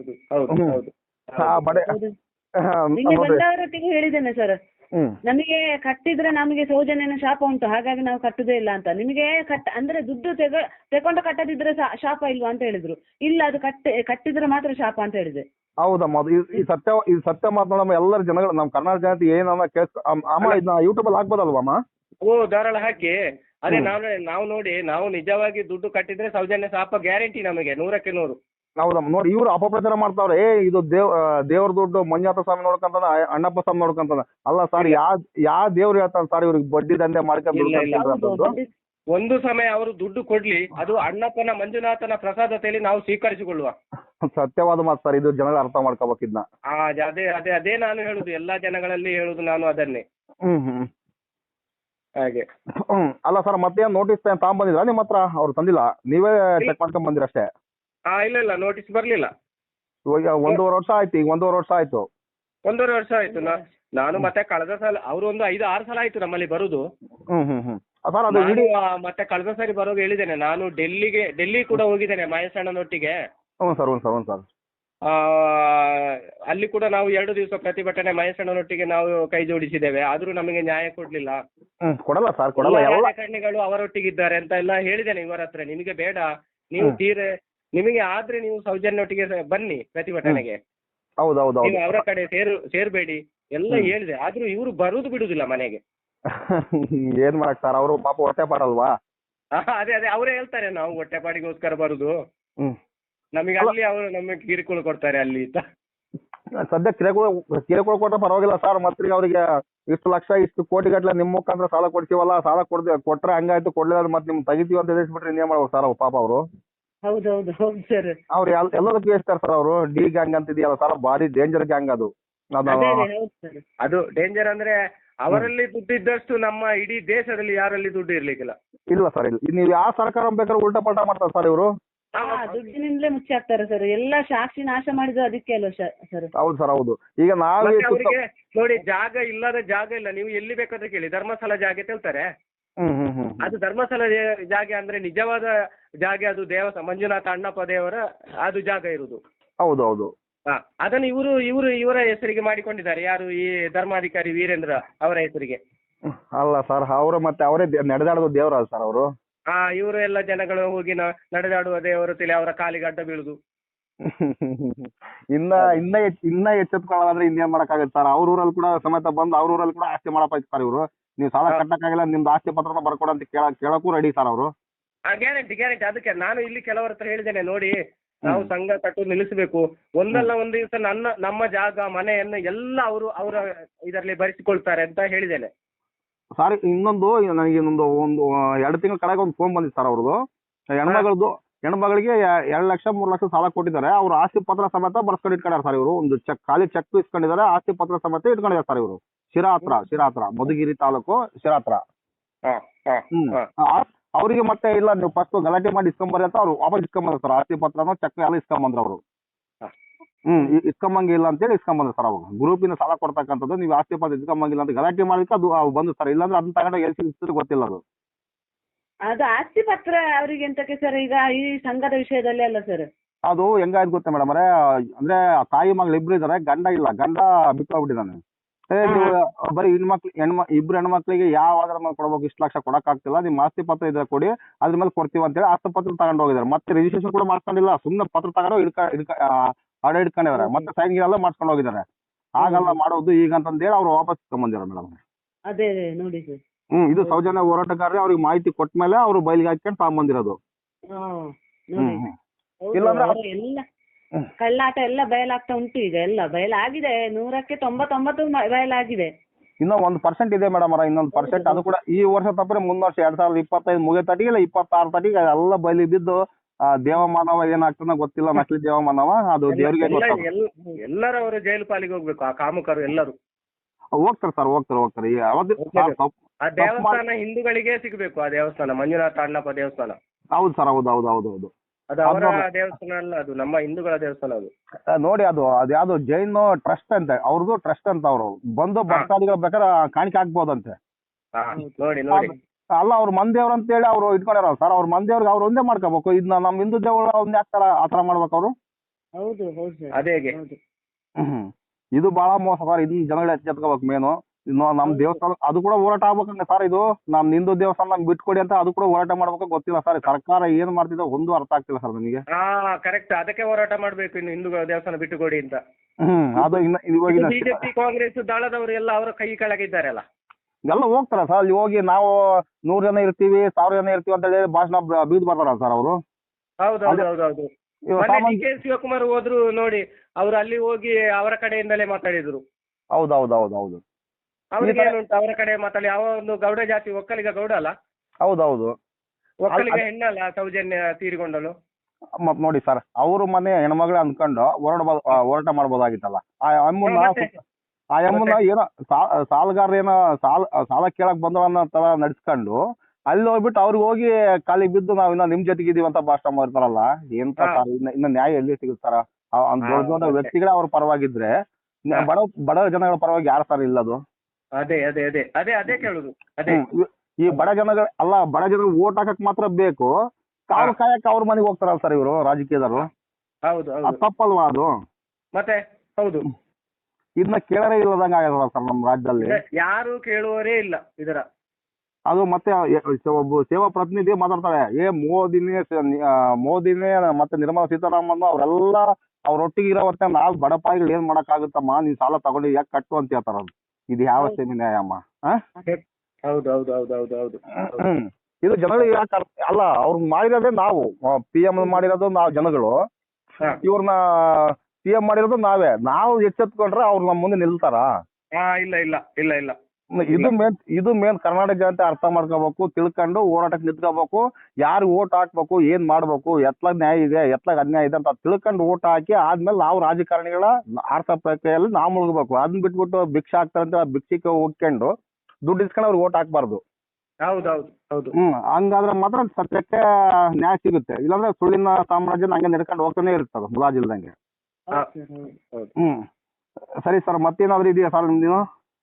C: ಹೇಳಿದ್ದೇನೆ ಸರ್, ನಮಗೆ ಕಟ್ಟಿದ್ರೆ ನಮಗೆ ಸೌಜನ್ಯನ ಶಾಪ ಉಂಟು, ಹಾಗಾಗಿ ನಾವು ಕಟ್ಟುದೇ ಇಲ್ಲ ಅಂತ. ನಿಮಗೆ ಅಂದ್ರೆ ದುಡ್ಡು ತಗೊಂಡು ಕಟ್ಟದಿದ್ರೆ ಶಾಪ ಇಲ್ವಾ ಅಂತ ಹೇಳಿದ್ರು. ಇಲ್ಲ, ಅದು ಕಟ್ಟಿದ್ರೆ ಮಾತ್ರ ಶಾಪ ಅಂತ ಹೇಳಿದೆ.
A: ಹೌದಮ್ಮ, ಈ ಸತ್ಯ ಮಾತನಾಡಮ್ಮ. ಎಲ್ಲರ ಜನಗಳು, ನಮ್ಮ ಕರ್ನಾಟಕ ಜನತೆ ಏನನ್ನ ಅಮ್ಮ ಇದನ್ನ ಯೂಟ್ಯೂಬ್ ಅಲ್ಲಿ ಹಾಕ್ಬೋದಲ್ವಮ್ಮ?
B: ಧಾರಾಳ ಹಾಕಿ. ಅದೇ ನಾವು ನೋಡಿ, ನಾವು ನಿಜವಾಗಿ ದುಡ್ಡು ಕಟ್ಟಿದ್ರೆ ಸೌಜನ್ಯ ಶಾಪ ಗ್ಯಾರಂಟಿ ನಮಗೆ 100ಕ್ಕೆ 100.
A: ಹೌದಮ್ಮ, ನೋಡಿ ಇವ್ರು ಅಪಪ್ರಚಾರ ಮಾಡ್ತಾವ್ರೆ. ಇದು ದೇವ್ರ ದುಡ್ಡು ಮಂಜುನಾಥ ಸ್ವಾಮಿ ನೋಡ್ಕೊಂತಾನ, ಅಣ್ಣಪ್ಪ ಸ್ವಾಮಿ ನೋಡ್ಕೊಂತಾನ. ಅಲ್ಲ ಸರ್, ಯಾವ ದೇವ್ರು ಹೇಳ್ತಾನೆ ಸರ್ ಇವ್ರಿಗೆ ಬಡ್ಡಿ ದಂಧೆ ಮಾಡ್ಕೊಂಡು?
B: ಒಂದು ಸಮಯ ಅವರು ದುಡ್ಡು ಕೊಡ್ಲಿ, ಅದು ಅಣ್ಣಪ್ಪನ ಮಂಜುನಾಥನ ಪ್ರಸಾದತೆಯಲ್ಲಿ ನಾವು ಸ್ವೀಕರಿಸಿಕೊಳ್ಳುವ.
A: ಸತ್ಯವಾದ ಮಾತು ಸರ್, ಇದು ಜನಗಳು ಅರ್ಥ ಮಾಡ್ಕೋಬೇಕಿದ್ನ.
B: ಅದೇ ನಾನು ಹೇಳುದು, ಎಲ್ಲಾ ಜನಗಳಲ್ಲಿ ಹೇಳುದು ನಾನು ಅದನ್ನೇ. ಹಾಗೆ.
A: ಅಲ್ಲ ಸರ್, ಮತ್ತೆ ನೋಟಿಸ್ ತಗೊಂಡ್ಬಂದಿದ್ರ ನಿಮ್ಮ ಹತ್ರ? ಅವ್ರು ತಂದಿಲ್ಲ, ನೀವೇ ಚೆಕ್ ಮಾಡ್ಕೊಂಡ್ ಬಂದಿರ ಅಷ್ಟೇ?
B: ಇಲ್ಲ, ನೋಟಿಸ್ ಬರ್ಲಿಲ್ಲ.
A: ಈಗ 1.5 ವರ್ಷ ಆಯ್ತು. ಈಗ 1.5 ವರ್ಷ ಆಯ್ತು.
B: 1.5 ವರ್ಷ ಆಯ್ತು. ನಾನು ಮತ್ತೆ ಕಳೆದ ಸಲ ಅವರು ಒಂದು 5-6 ಸಲ ಆಯ್ತು ನಮ್ಮಲ್ಲಿ ಬರುದು. ಮತ್ತೆ ಕಳೆದ ಸಾರಿ ಬರೋದು ಹೇಳಿದ್ದೇನೆ. ನಾನು ಡೆಲ್ಲಿ ಕೂಡ ಹೋಗಿದ್ದೇನೆ ಮಹೇಶಣ್ಣನೊಟ್ಟಿಗೆ.
A: ಸರ್
B: ಅಲ್ಲಿ ಕೂಡ ನಾವು 2 ದಿವಸ ಪ್ರತಿಭಟನೆ ಮಹೇಶಣ್ಣನೊಟ್ಟಿಗೆ ನಾವು ಕೈ ಜೋಡಿಸಿದ್ದೇವೆ. ಆದ್ರೂ ನಮಗೆ ನ್ಯಾಯ ಕೊಡ್ಲಿಲ್ಲ.
A: ಕೊಡಲ್ಲ ಸರ್, ಕೊಡಲ್ಲ.
B: ರಾಜಕಾರಣಿಗಳು ಅವರೊಟ್ಟಿಗಿದ್ದಾರೆ ಅಂತ ಎಲ್ಲ ಹೇಳಿದ್ದೇನೆ ಇವರ ಹತ್ರ. ನಿಮಗೆ ಬೇಡ, ನೀವು ನಿಮಗೆ ಆದ್ರೆ ನೀವು ಸೌಜನ್ಯೊಟ್ಟಿಗೆ ಬನ್ನಿ ಪ್ರತಿಭಟನೆಗೆ.
A: ಹೌದೌದು
B: ನೀವು ಅವರ ಕಡೆ ಸೇರ್ಬೇಡಿ ಎಲ್ಲ ಹೇಳಿದೆ, ಆದ್ರೂ ಇವರು ಬರುದು ಬಿಡುದಿಲ್ಲ ಮನೆಗೆ.
A: ಏನ್ ಮಾಡಕ್ ಸರ್, ಅವರು ಪಾಪ ಹೊಟ್ಟೆ ಪಾಡಲ್ವಾ.
B: ಅದೇ ಅವರೇ ಹೇಳ್ತಾರೆ ನಾವು ಹೊಟ್ಟೆಪಾಡಿಗೋಸ್ಕರ ಬರುದು, ನಮಗೆ ಅಲ್ಲಿ ಅವರು ನಮಗೆ ಕಿರುಕುಳ ಕೊಡ್ತಾರೆ ಅಲ್ಲಿ ಅಂತ.
A: ಸದ್ಯ ಕಿರುಕುಳ ಕೊಟ್ರೆ ಪರವಾಗಿಲ್ಲ ಸರ್, ಮತ್ತೆ ಅವರಿಗೆ ಇಷ್ಟು ಲಕ್ಷ ಇಷ್ಟು ಕೋಟಿ ಗಟ್ಟಲೆ ನಿಮ್ಮ ಮುಖಾಂತರ ಸಾಲ ಕೊಡ್ತೀವಲ್ಲ, ಸಾಲ ಕೊಟ್ರೆ ಹಂಗಾಯ್ತು, ಕೊಡ್ಲಿಲ್ಲ ಮತ್ತೆ ನಿಮ್ ತೆಗಿತೀವಿ ಅಂತ ಎದುರಿಸ್ಬಿಟ್ರೆ ಇನ್ನೇನ್ ಮಾಡ್ಬೇಕು ಸರ್ ಪಾಪ ಅವರು.
C: ಹೌದೌದು ಹೌದು ಸರ್.
A: ಅವ್ರು ಎಲ್ಲದಕ್ಕೂ ಎಷ್ಟಾರ ಸರ್ ಅವರು. ಡಿ ಗ್ಯಾಂಗ್ ಅಂತ ಇದೆಯಲ್ಲ ಸರ್, ಭಾರಿ ಡೇಂಜರ್ ಗ್ಯಾಂಗ್ ಅದು.
B: ಅದು ಡೇಂಜರ್ ಅಂದ್ರೆ ಅವರಲ್ಲಿ ದುಡ್ಡು ಇದ್ದಷ್ಟು ನಮ್ಮ ಇಡೀ ದೇಶದಲ್ಲಿ ಯಾರಲ್ಲಿ ದುಡ್ಡು ಇರ್ಲಿಕ್ಕಿಲ್ಲ.
A: ಇಲ್ಲ ಸರ್, ಇಲ್ಲ. ನೀವು ಯಾವ ಸರ್ಕಾರ ಬೇಕಾದ್ರೂ ಉಲ್ಟಾ ಪಲ್ಟಾ ಮಾಡ್ತಾರೆ ಸರ್ ಇವರು.
C: ದುಡ್ಡಿನಿಂದಲೇ ಮುಚ್ಚಿ ಹಾಕ್ತಾರೆ ಸರ್, ಎಲ್ಲ ಸಾಕ್ಷಿ ನಾಶ ಮಾಡಿದ್ರು ಅದಕ್ಕೆ ಅಲ್ವ ಸರ್.
A: ಹೌದು ಸರ್, ಹೌದು. ಈಗ ನಾವೇ
B: ಅವರಿಗೆ ನೋಡಿ ಜಾಗ ಇಲ್ಲ, ನೀವು ಎಲ್ಲಿ ಬೇಕಾದ್ರೆ ಕೇಳಿ, ಧರ್ಮಸ್ಥಳ ಜಾಗ ಹೇಳ್ತಾರೆ. ಅದು ಧರ್ಮಸ್ಥಳ ಜಾಗ ಅಂದ್ರೆ ನಿಜವಾದ ಜಾಗ, ಅದು ಮಂಜುನಾಥ ಅಣ್ಣಪ್ಪ ದೇವರ ಅದು ಜಾಗ ಇರುವುದು.
A: ಹೌದೌದು.
B: ಅದನ್ನು ಇವರ ಹೆಸರಿಗೆ ಮಾಡಿಕೊಂಡಿದ್ದಾರೆ. ಯಾರು? ಈ ಧರ್ಮಾಧಿಕಾರಿ ವೀರೇಂದ್ರ ಅವರ ಹೆಸರಿಗೆ.
A: ಅಲ್ಲ ಸರ್, ಅವರು ಮತ್ತೆ ಅವರೇ ನಡೆದಾಡೋದು ದೇವರ ಸರ್ ಅವರು.
B: ಇವರು ಎಲ್ಲ ಜನಗಳು ಹೋಗಿ ನಡೆದಾಡುವ ದೇವರು ತಿಳಿ ಅವರ ಕಾಲಿಗೆ ಅಡ್ಡ ಬೀಳುದು.
A: ಇನ್ನ ಎಚ್ಚೆತ್ಕೊಳ್ಳೋದ್ರೆ ಇನ್ನೇನ್ ಮಾಡಕ್ಕಾಗತ್ತೆ ಸರ್. ಅವ್ರ ಊರಲ್ಲಿ ಕೂಡ ಸಮೇತ ಬಂದು ಅವ್ರ ಊರಲ್ಲಿ ಕೂಡ ಆಸ್ತಿ ಮಾಡಪ್ಪ ಸರ್ ಇವರು. ನೀವು ಸಾಲ ಕಟ್ಟಕ್ಕಾಗಿಲ್ಲ, ನಿಮ್ದು ಆಸ್ತಿ ಪತ್ರನ ಬರ್ಕೊಡ ಅಂತ ಕೇಳಕ್ಕೂ ರೆಡಿ ಸರ್ ಅವರು.
B: ಗ್ಯಾರಂಟಿ. ಅದಕ್ಕೆ ನಾನು ಇಲ್ಲಿ ಕೆಲವರ ಹತ್ರ ಹೇಳಿದ್ದೇನೆ, ನೋಡಿ ನಾವು ಸಂಘ ಕಟ್ಟು ನಿಲ್ಲಿಸಬೇಕು, ಒಂದಲ್ಲ ಒಂದು ದಿವಸ ನಮ್ಮ ಜಾಗ ಮನೆಯನ್ನು ಎಲ್ಲ ಅವರ ಇದರಲ್ಲಿ ಭರಿಸಿಕೊಳ್ತಾರೆ ಅಂತ ಹೇಳಿದ್ದೇನೆ.
A: ಸರ್ ಇನ್ನೊಂದು ನನಗೆ ಒಂದು 2 ತಿಂಗಳ ಕಡೆಗೆ ಒಂದು ಫೋನ್ ಬಂದಿತ್ತು ಸರ್ ಅವ್ರದ್ದು. ಹೆಣ್ಮಗಳಿಗೆ 2 ಲಕ್ಷ 3 ಲಕ್ಷ ಸಾಲ ಕೊಟ್ಟಿದ್ದಾರೆ. ಅವ್ರು ಆಸ್ತಿ ಪತ್ರ ಸಮೇತ ಬರ್ಸ್ಕೊಂಡು ಇಟ್ಕೊಂಡಿದ್ದಾರೆ ಸರ್ ಇವರು. ಒಂದು ಖಾಲಿ ಚೆಕ್ ಇಸ್ಕೊಂಡಿದ್ದಾರೆ, ಆಸ್ತಿ ಪತ್ರ ಸಮೇತ ಇಟ್ಕೊಂಡಿದ್ದಾರೆ ಸರ್ ಇವರು. ಶಿರಾ ಹತ್ರ ಮಧುಗಿರಿ ತಾಲೂಕು ಶಿರಾ ಹತ್ರ. ಅವರಿಗೆ ಮತ್ತೆ ಇಲ್ಲ, ನೀವು ಫಸ್ಟ್ ಗಲಾಟೆ ಮಾಡಿ ಇಸ್ಕೊಂಬರ್ರಿ ಅಂತ ಅವ್ರು ವಾಪಸ್ ಇಸ್ಕೊಂಬಂದ್ರು ಸರ್. ಆಸ್ತಿ ಪತ್ರನೋ ಚೆಕ್ ಎಲ್ಲ ಇಸ್ಕೊಂಬಂದ್ರು ಅವರು. ಇಸ್ಕೊಂಬಂಗಿಲ್ಲ ಅಂತೇಳಿ ಇಸ್ಕೊಂಬಂದ್ರು ಸರ್. ಅವಾಗ ಗ್ರೂಪಿಂದ ಸಾಲ ಕೊಡ್ತಕ್ಕಂಥದ್ದು, ನೀವು ಆಸ್ತಿ ಪತ್ರ ಇಸ್ಕೊಂಬಂಗಿಲ್ಲ ಅಂತ ಗಲಾಟೆ ಮಾಡಿದ್ರೆ ಅದು ಬಂದು ಸರ್. ಇಲ್ಲಾಂದ್ರೆ ಅದನ್ನ ತಗೊಂಡು ಎಲ್ಲಿ ಸಿಗ್ತದೆ ಗೊತ್ತಿಲ್ಲ ಅದು.
C: ಅದು ಆಸ್ತಿ ಪತ್ರ ಅವರಿಗೆ ಎಂತಕ್ಕೆ ಸರ್, ಈಗ ಈ ಸಂಘದ ವಿಷಯದಲ್ಲಿ ಅಲ್ಲ ಸರ್.
A: ಅದು ಹೆಂಗಾಯ್ತು ಗೊತ್ತಾ ಮೇಡಮ್ ಅವರೇ, ಅಂದ್ರೆ ತಾಯಿ ಮಗಳು ಇಬ್ರು ಇದಾರೆ, ಗಂಡ ಇಲ್ಲ, ಗಂಡ ಬಿಟ್ಟೋಗ್ಬಿಟ್ಟಿದ್ದಾನೆ. ನೀವು ಬರೀ ಇಬ್ರು ಹೆಣ್ಮಕ್ಳಿಗೆ ಯಾವ ಆಧಾರ ಮೇಲೆ ಕೊಡ್ಬೇಕು, ಇಷ್ಟು ಲಕ್ಷ ಕೊಡಕ್ ಆಗ್ತಿಲ್ಲ, ನಿಮ್ ಆಸ್ತಿ ಪತ್ರ ಇದ್ರೆ ಕೊಡಿ, ಅದ್ರ ಮೇಲೆ ಕೊಡ್ತೀವಿ ಅಂತ ಹೇಳಿ ಆಸ್ತಿ ಪತ್ರ ತಗೊಂಡು ಹೋಗಿದ್ದಾರೆ. ಮತ್ತೆ ರಿಜಿಸ್ಟ್ರೇಷನ್ ಕೂಡ ಮಾಡ್ಕೊಂಡಿಲ್ಲ, ಸುಮ್ಮನೆ ಪತ್ರ ತಗೊಂಡು ಅಡ ಇಟ್ಕೊಂಡಿದ್ದಾರೆ. ಮತ್ತೆ ಸೈನ್ ಎಲ್ಲ ಮಾಡ್ಕೊಂಡು ಹೋಗಿದ್ದಾರೆ. ಆಗಲ್ಲ ಮಾಡೋದು ಈಗ ಅಂತಂದೇಳಿ ಅವ್ರು ವಾಪಸ್ ತಗೊಂಬಂದಿದ್ದಾರೆ ಮೇಡಮ್.
C: ಅದೇ ನೋಡಿ ಸರ್.
A: ಇದು ಸೌಜನ್ಯ ಹೋರಾಟಗಾರರೇ ಅವ್ರಿಗೆ ಮಾಹಿತಿ ಕೊಟ್ಟ ಮೇಲೆ ಅವರು ಬಯಲಿಗೆ ಹಾಕೊಂಡು ತಗೊಂಬಂದಿರೋದು.
C: ಎಲ್ಲ ಕಳ್ಳಾಟ ಎಲ್ಲ ಬಯಲಾಗ್ತಾ ಉಂಟು. ಈಗ ಎಲ್ಲ ಬಯಲಾಗಿದೆ, 100ಕ್ಕೆ 99 ಬಯಲಾಗಿದೆ.
A: ಇನ್ನೂ 1% ಇದೆ ಮೇಡಮ್ ಅವರ, ಇನ್ನೊಂದು ಪರ್ಸೆಂಟ್. ಅದು ಕೂಡ ಈ ವರ್ಷ ತಪ್ಪರೆ ಮುಂದ್ ವರ್ಷ 2025 ಮುಗಿಯತಟಿಗೆ ಇಲ್ಲ 26 ತಟಿಗೆ ಎಲ್ಲ ಬಯಲಿ ಬಿದ್ದು ದೇವಮಾನವ ಏನಾಗ್ತದ ಗೊತ್ತಿಲ್ಲ. ನಕಲಿ ದೇವಮಾನವ ಅದು ದೇವರಿಗೆ
B: ಎಲ್ಲರೂ ಅವರು ಜೈಲು ಪಾಲಿಗೆ ಹೋಗ್ಬೇಕು. ಆ ಕಾಮಕರು ಎಲ್ಲರೂ
A: ಹೋಗ್ತಾರೆ ಸರ್, ಹೋಗ್ತಾರೆ.
B: ಆ ದೇವಸ್ಥಾನ ಹಿಂದೂಗಳಿಗೆ ಸಿಗಬೇಕು. ಆ ದೇವಸ್ಥಾನ ಮಂಜುನಾಥ ಅಣ್ಣಪ್ಪ ದೇವಸ್ಥಾನ.
A: ಹೌದು ಸರ್, ಹೌದು.
B: ಅದು ಅವರ ದೇವಸ್ಥಾನ ಅಲ್ಲ, ಅದು ನಮ್ಮ ಹಿಂದೂಗಳ ದೇವಸ್ಥಾನ. ಅದು
A: ನೋಡಿ, ಅದು ಯಾವ್ದು ಜೈನ್ ಟ್ರಸ್ಟ್ ಅಂತ, ಅವ್ರದ್ದು ಟ್ರಸ್ಟ್ ಅಂತ. ಅವರು ಬಂದು ಭಕ್ತಾದಿಗಳು ಬೇಕಾದ್ರೆ ಕಾಣಿಕೆ ಹಾಕ್ಬೋದಂತೆ.
B: ನೋಡಿ
A: ಅಲ್ಲ, ಅವ್ರ ಮಂದೇವ್ರ ಅಂತ ಹೇಳಿ ಅವ್ರು ಇಟ್ಕೊಂಡಾರ ಸರ್. ಅವ್ರ ಮಂದೇವ್ರಿಗೆ ಅವ್ರು ಒಂದೇ ಮಾಡ್ಕೋಬೇಕು. ಇದನ್ನ ನಮ್ಮ ಹಿಂದೂ ದೇವರ ಒಂದೇ ಆಗ್ತಾರ ಆತರ ಮಾಡ್ಬೇಕು ಅವರು.
B: ಅದೇ
A: ಇದು ಬಹಳ ಮೋಸ ಸರ್. ಇದನ್ನ ಜನಗಳು ಎಚ್ಚೆತ್ಕೋಬೇಕು ಮೇನು. ನಮ್ ದೇವಸ್ಥಾನ ಅದು ಕೂಡ ಹೋರಾಟ ಆಗ್ಬೇಕಂದ್ರೆ ಸರ್. ಇದು ನಮ್ ಹಿಂದೂ ದೇವಸ್ಥಾನ ನಮ್ಗೆ ಬಿಟ್ಕೊಡಿ ಅಂತ ಅದು ಕೂಡ ಹೋರಾಟ ಮಾಡ್ಬೇಕು. ಗೊತ್ತಿಲ್ಲ ಸರ್ ಸರ್ಕಾರ ಏನ್ ಮಾಡ್ತಿದೆ ಒಂದು ಅರ್ಥ ಆಗ್ತಿಲ್ಲ ಸರ್ ನನಗೆ.
B: ಕರೆಕ್ಟ್, ಅದಕ್ಕೆ ಹೋರಾಟ ಮಾಡ್ಬೇಕು ಇನ್ನು ಹಿಂದೂ ದೇವಸ್ಥಾನ ಬಿಟ್ಟುಕೊಡಿ ಅಂತ.
A: ಅದು ಇವಾಗಿನ
B: ಬಿಜೆಪಿ ಕಾಂಗ್ರೆಸ್ ದಳದವರು ಎಲ್ಲ ಅವರ ಕೈ ಕೆಳಗಿದ್ದಾರಲ್ಲ,
A: ಎಲ್ಲ ಹೋಗ್ತಾರ ಸರ್. ಅಲ್ಲಿ ಹೋಗಿ ನಾವು 100 ಜನ ಇರ್ತೀವಿ, 1000 ಜನ ಇರ್ತೀವಿ ಅಂತ ಹೇಳಿ ಭಾಷಣ ಬೀದ್ ಬರ್ತಾರ ಸರ್ ಅವರು.
B: ಹೌದು. ಡಿ.ಕೆ. ಶಿವಕುಮಾರ್ ಹೋದ್ರು ನೋಡಿ, ಅವ್ರು ಅಲ್ಲಿ ಹೋಗಿ ಅವರ ಕಡೆಯಿಂದಲೇ ಮಾತಾಡಿದ್ರು.
A: ಹೌದು.
B: ಅವ್ರಿಗೆ ಏನುಂಟು ಅವರ ಕಡೆ ಮಾತಾಡಿ. ಯಾವ ಒಂದು ಗೌಡ ಜಾತಿ, ಒಕ್ಕಲಿಗ ಗೌಡ ಅಲ್ಲ,
A: ಹೌದು.
B: ಒಕ್ಕಲಿಗ ಹೆಣ್ಣಲ್ಲ ಸೌಜನ್ಯ ತೀರಿಕೊಂಡಳು.
A: ಮತ್ ನೋಡಿ ಸರ್, ಅವ್ರ ಮನೆ ಹೆಣ್ಮಗಳೇ ಅನ್ಕೊಂಡು ಹೋರಾಟ ಮಾಡ್ಬೋದಾಗಿತ್ತಲ್ಲ. ಆ ಅಮ್ಮನ ಏನೋ ಸಾಲಗಾರ ಏನೋ ಸಾಲ ಕೇಳಕ್ ಬಂದವನ್ನ ತರ ನಡ್ಸ್ಕೊಂಡು ಅಲ್ಲಿ ಹೋಗ್ಬಿಟ್ಟು ಅವ್ರಿಗೆ ಹೋಗಿ ಕಾಲಿಗೆ ಬಿದ್ದು ನಾವ್ ಇನ್ನ ನಿಮ್ ಜೊತೆಗೆ ಇದೀವಿ ಅಂತ ಭಾಷಣ ಮಾಡ್ತಾರಲ್ಲ. ಎಂತ ಸರ್, ಇನ್ನ ನ್ಯಾಯ ಎಲ್ಲಿ ಸಿಗುತ್ತಾರ? ದೊಡ್ಡ ವ್ಯಕ್ತಿಗಳೇ ಅವ್ರ ಪರವಾಗಿದ್ರೆ ಬಡ ಜನಗಳ ಪರವಾಗಿ ಯಾರು ಸರ್ ಇಲ್ಲದು?
B: ಅದೇ ಕೇಳುದು.
A: ಈ ಬಡ ಜನಗಳು ಓಟ್ ಹಾಕಕ್ ಮಾತ್ರ ಬೇಕು, ಕಾವು ಕಾಯಕ್ ಅವ್ರ ಮನೆಗೆ ಹೋಗ್ತಾರಲ್ಲ ಸರ್ ಇವರು ರಾಜಕೀಯದವರು. ತಪ್ಪಲ್ವಾ ಅದು?
B: ಮತ್ತೆ ಹೌದು,
A: ಇದನ್ನ ಕೇಳರೇ ಇಲ್ಲದಂಗ ಆಗಲ್ಲ ಸರ್ ನಮ್ಮ ರಾಜ್ಯದಲ್ಲಿ.
B: ಯಾರು ಕೇಳುವವರೇ ಇಲ್ಲ ಇದರ.
A: ಅದು ಮತ್ತೆ ಒಬ್ಬ ಸೇವಾ ಪ್ರತಿನಿಧಿ ಮಾತಾಡ್ತಾರೆ, ಮೋದಿನೇ ಮತ್ತೆ ನಿರ್ಮಲಾ ಸೀತಾರಾಮನ್ ಅವರೆಲ್ಲ ಅವ್ರೊಟ್ಟಿಗೆ ಇರೋವತ್ತೆ ನಾವು ಬಡಪಾಯಿಗಳು ಏನ್ ಮಾಡಕ್ಕಾಗುತ್ತಮ್ಮ, ನೀನ್ ಸಾಲ ತಗೊಂಡು ಯಾಕೆ ಕಟ್ಟು ಅಂತ ಹೇಳ್ತಾರ. ಇದು ಯಾವ ಸೇಮಿ ನ್ಯಾಯಮ್ಮ?
B: ಹೌದು ಹೌದು ಹೌದು ಹೌದು ಹೌದು
A: ಇದು ಜನಗಳಿಗೆ ಯಾಕೆ ಅಲ್ಲ, ಅವ್ರು ಮಾಡಿರೋದೇ ನಾವು PM ಮಾಡಿರೋದು ನಾವು ಜನಗಳು, ಇವ್ರನ್ನ CM ಮಾಡಿರೋದು ನಾವೇ. ನಾವು ಎಚ್ಚೆತ್ಕೊಂಡ್ರೆ ಅವ್ರು ನಮ್ಮ ಮುಂದೆ ನಿಲ್ತಾರ?
B: ಇಲ್ಲ ಇಲ್ಲ ಇಲ್ಲ ಇಲ್ಲ.
A: ಇದು ಮೇನ್ ಕರ್ನಾಟಕ ಜನತೆ ಅರ್ಥ ಮಾಡ್ಕೋಬೇಕು, ತಿಳ್ಕೊಂಡು ಹೋರಾಟಕ್ಕೆ ನಿಂತ್ಕೋಬೇಕು. ಯಾರು ಓಟ್ ಹಾಕ್ಬೇಕು, ಏನ್ ಮಾಡ್ಬೇಕು, ಎತ್ಲಾಗ ನ್ಯಾಯ ಇದೆ ಎತ್ಲಾಗ ಅನ್ಯಾಯ ಇದೆ ಅಂತ ತಿಳ್ಕೊಂಡು ಓಟ್ ಹಾಕಿ ಆದ್ಮೇಲೆ ನಾವು ರಾಜಕಾರಣಿಗಳ ಆರ್ಥಿಕ ಪ್ರಕ್ರಿಯೆಯಲ್ಲಿ ನಾವು ಮುಳುಗಬೇಕು. ಅದನ್ನ ಬಿಟ್ಬಿಟ್ಟು ಭಿಕ್ಷೆ ಹಾಕ್ತಾರಂತ ಭಿಕ್ಷಕ್ಕೆ ಹೋಗ್ಕೊಂಡು ದುಡ್ಡು ಇಸ್ಕೊಂಡು ಅವ್ರಿಗೆ ಓಟ್ ಹಾಕ್ಬಾರ್ದು.
B: ಹೌದು ಹೌದು ಹೌದು.
A: ಹಂಗಾದ್ರೆ ಮಾತ್ರ ಸತ್ಯಕ್ಕೆ ನ್ಯಾಯ ಸಿಗುತ್ತೆ. ಇಲ್ಲಾಂದ್ರೆ ಸುಳ್ಳಿನ ಸಾಮ್ರಾಜ್ಯ ಹಂಗೆ ನಡ್ಕೊಂಡು ಹೋಗ್ತಾನೆ ಇರ್ತದೆ ಮುಲಾಜಿಲ್ದಂಗೆ. ಸರಿ ಸರ್, ಮತ್ತೇನಾದ್ರು ಇದೆಯಾ ಸರ್ ನಿಮ್ದು?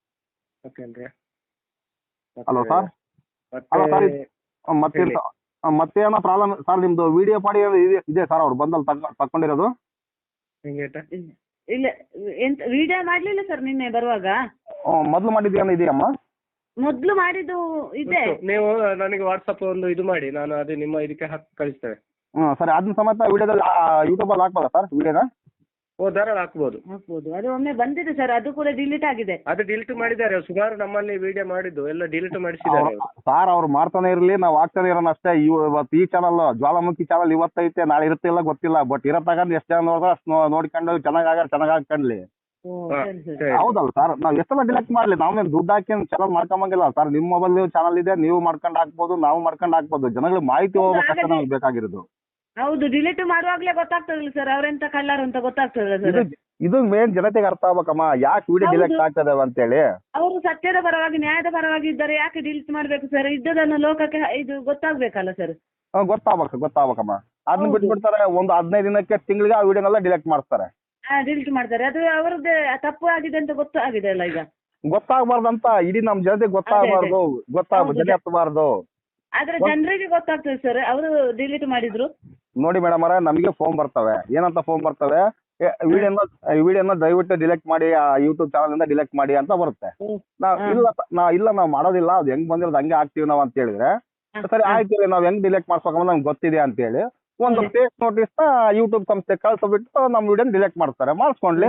A: Hello sir. ಅಲ್ಲ ಸರ್, ಮತ್ತೇನೋ ಪ್ರಾಬ್ಲಮ್ ಸರ್? ನಿಮ್ದು ವಿಡಿಯೋ ಮಾಡಿ ಇದೆ ಸರ್, ಅವ್ರು ಬಂದಲ್ಲಿ ತಕೊಂಡಿರೋದು?
C: ಇಲ್ಲ, ಎಂತ ವಿಡಿಯೋ ಮಾಡ್ಲಿಲ್ಲ ಸರ್ ನಿನ್ನೆ ಬರುವಾಗ.
A: ಮೊದ್ಲು ಮಾಡಿದ್ಯಾ ಇದೆಯಮ್ಮ?
C: ಮೊದ್ಲು ಮಾಡಿದ್ದು ಇದೆ.
B: ನೀವು ನನಗೆ ವಾಟ್ಸಪ್ ಒಂದು ಇದು ಮಾಡಿ, ನಾನು ಅದೇ ನಿಮ್ಮ ಇದಕ್ಕೆ ಹಾಕಿ ಕಳಿಸ್ತೇವೆ.
A: ಸರಿ, ಅದನ್ನ ಸಮೇತ ವಿಡಿಯೋದಲ್ಲಿ ಯೂಟ್ಯೂಬಲ್ಲಿ ಹಾಕ್ಬೋದಾ ಸರ್ ವಿಡಿಯೋನ?
B: ಧಾರಾಳ ಹಾಕ್ಬೋದು.
C: ಅದು ಒಮ್ಮೆ ಬಂದಿದೆ ಸರ್, ಅದು ಕೂಡ ಡಿಲೀಟ್ ಆಗಿದೆ.
B: ಅದು ಡಿಲೀಟ್ ಮಾಡಿದ್ದಾರೆ ಸುಮಾರು, ನಮ್ಮಲ್ಲಿ ವಿಡಿಯೋ ಮಾಡಿದ್ದು ಎಲ್ಲ ಡಿಲೀಟ್ ಮಾಡಿಸಿದ್ದಾರೆ
A: ಸರ್. ಅವ್ರು ಮಾಡ್ತಾನೆ ಇರ್ಲಿ, ನಾವು ಆಗ್ತಾನೆ ಇರೋಣ ಅಷ್ಟೇ. ಇವತ್ತು ಈ ಚಾನಲ್ ಜ್ವಾಲಾಮುಖಿ ಚಾನಲ್ ಇವತ್ತೈತೆ, ನಾಳೆ ಇರುತ್ತೆ ಇಲ್ಲ ಗೊತ್ತಿಲ್ಲ, ಬಟ್ ಇರತ್ತಾಗ ಎಷ್ಟು ಜನ ನೋಡಿದ್ರೆ ಅಷ್ಟು ನೋಡ್ಕೊಂಡು ಚೆನ್ನಾಗಿ ಹಾಕೊಂಡ್ಲಿ. ಹೌದಲ್ಲ ಸರ್, ನಾವ್ ಎಷ್ಟೆಲ್ಲ ಡಿಲೆಕ್ಟ್ ಮಾಡ್ಲಿ, ನಾವೇನು ದುಡ್ಡು ಹಾಕಿ ಚಾನಲ್ ಮಾಡ್ಕೊಂಬಂಗಿಲ್ಲ ಸರ್. ನಿಮ್ಮ ಮೊಬೈಲ್ ಚಾನಲ್ ಇದೆ, ನೀವು ಮಾಡ್ಕೊಂಡು ಹಾಕ್ಬೋದು, ನಾವು ಮಾಡ್ಕೊಂಡು ಹಾಕ್ಬೋದು. ಜನಗಳಿಗೆ ಮಾಹಿತಿ ಹೋಗ್ಬೇಕಷ್ಟೇ ನಮ್ಗೆ ಬೇಕಾಗಿರೋದು.
C: ಹೌದು, ಡಿಲೀಟ್ ಮಾಡುವಾಗ್ಲೇ ಗೊತ್ತಾಗ್ತದಲ್ಲ ಸರ್ ಅವ್ರೆಂತ ಕಳ್ಳರು ಅಂತ ಗೊತ್ತಾಗ್ತದಲ್ಲ ಸರ್.
A: ಇದು ಮೇನ್ ಜನತೆಗೆ ಅರ್ಥ ಆಗ್ಬೇಕಮ್ಮ, ಯಾಕೆ ವಿಡಿಯೋ ಡಿಲೆಕ್ಟ್ ಆಗ್ತದೆ ಅಂತೇಳಿ.
C: ಅವರು ಸತ್ಯದ ಪರವಾಗಿ ನ್ಯಾಯದ ಪರವಾಗಿ ಇದ್ದಾರೆ, ಯಾಕೆ ಡಿಲೀಟ್ ಮಾಡ್ಬೇಕು ಸರ್? ಇದ್ದದನ್ನು ಲೋಕಕ್ಕೆ ಇದು ಗೊತ್ತಾಗ್ಬೇಕಲ್ಲ ಸರ್.
A: ಗೊತ್ತಾಗ್ಬೇಕಮ್ಮ. ಅದನ್ನ ಬಿಟ್ಬಿಡ್ತಾರೆ, ಒಂದು 15 ದಿನಕ್ಕೆ ತಿಂಗಳಿಗೆ ಆ ವಿಡಿಯೋನೆಲ್ಲ ಡಿಲೆಕ್ಟ್ ಮಾಡ್ತಾರೆ.
C: ಡಿಲೀಟ್ ಮಾಡ್ತಾರೆ. ಅದು ಅವರದ್ದು ತಪ್ಪು ಆಗಿದೆ ಅಂತ ಗೊತ್ತಾಗಿದೆ ಅಲ್ಲ ಈಗ.
A: ಗೊತ್ತಾಗಬಾರ್ದಂತ ಇಡೀ ನಮ್ ಜನತೆಗೆ ಗೊತ್ತಾಗಬಾರ್ದು, ಜನ ಹತ್ತಬಾರ್ದು.
C: ಆದ್ರೆ ಜನರಿಗೆ ಗೊತ್ತಾಗ್ತದೆ ಸರ್, ಅವರು ಡಿಲೀಟ್ ಮಾಡಿದ್ರು.
A: ನೋಡಿ ಮೇಡಮ್ ಅವರೇ, ನಮಗೆ ಫೋನ್ ಬರ್ತವೆ. ಏನಂತ ಫೋನ್ ಬರ್ತವೆ? ವಿಡಿಯೋನ ದಯವಿಟ್ಟು ಡಿಲೆಕ್ಟ್ ಮಾಡಿ, ಯೂಟ್ಯೂಬ್ ಚಾನಲ್ ಇಂದ ಡಿಲೆಕ್ಟ್ ಮಾಡಿ ಅಂತ ಬರುತ್ತೆ. ನಾವು ಮಾಡೋದಿಲ್ಲ, ಅದು ಹೆಂಗ್ ಬಂದಿರೋದು ಹಂಗೆ ಹಾಕ್ತಿವಿ ನಾವು ಅಂತ ಹೇಳಿದ್ರೆ, ಸರಿ ಆಯ್ತು, ನಾವ್ ಹೆಂಗ್ ಡಿಲೆಕ್ಟ್ ಮಾಡ್ಸ್ಬೇಕಂದ್ರೆ ನಮ್ಗೆ ಗೊತ್ತಿದೆ ಅಂತ ಹೇಳಿ ಒಂದು ಫೇಕ್ ನೋಟಿಸ್ ನ ಯೂಟ್ಯೂಬ್ ಸಂಸ್ಥೆ ಕಳ್ಸಬಿಟ್ಟು ನಮ್ಮ ವಿಡಿಯೋ ಡಿಲೆಕ್ಟ್ ಮಾಡ್ತಾರೆ. ಮಾಡಿಸ್ಕೊಂಡ್ಲಿ,